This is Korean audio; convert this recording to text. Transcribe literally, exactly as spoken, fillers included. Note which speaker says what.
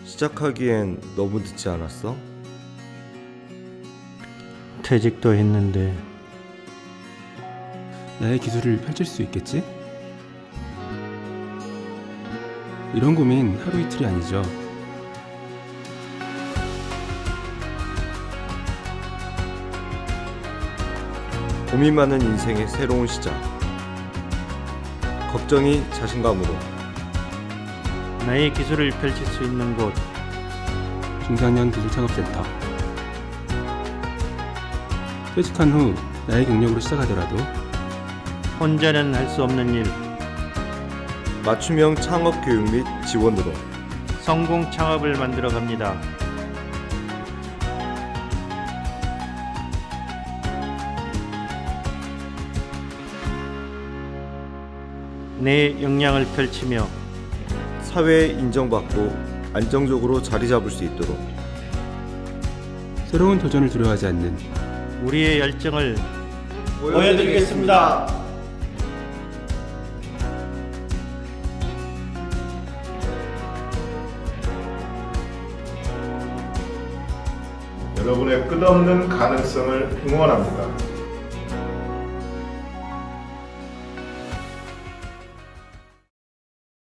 Speaker 1: 시작하기엔 너무 늦지 않았어?
Speaker 2: 퇴직도 했는데.
Speaker 3: 나의 기술을 펼칠 수 있겠지? 이런 고민 하루 이틀이 아니죠.
Speaker 1: 고민 많은 인생의 새로운 시작. 걱정이 자신감으로.
Speaker 2: 나의 기술을 펼칠 수 있는 곳.
Speaker 3: 중장년 기술창업센터. 퇴직한 후 나의 경력으로 시작하더라도
Speaker 2: 혼자는 할 수 없는 일.
Speaker 1: 맞춤형 창업 교육 및 지원으로
Speaker 2: 성공 창업을 만들어 갑니다. 내 역량을 펼치며
Speaker 1: 사회에 인정받고 안정적으로 자리 잡을 수 있도록
Speaker 3: 새로운 도전을 두려워하지 않는
Speaker 2: 우리의 열정을
Speaker 1: 보여드리겠습니다.
Speaker 4: 여러분의 끝없는 가능성을 응원합니다.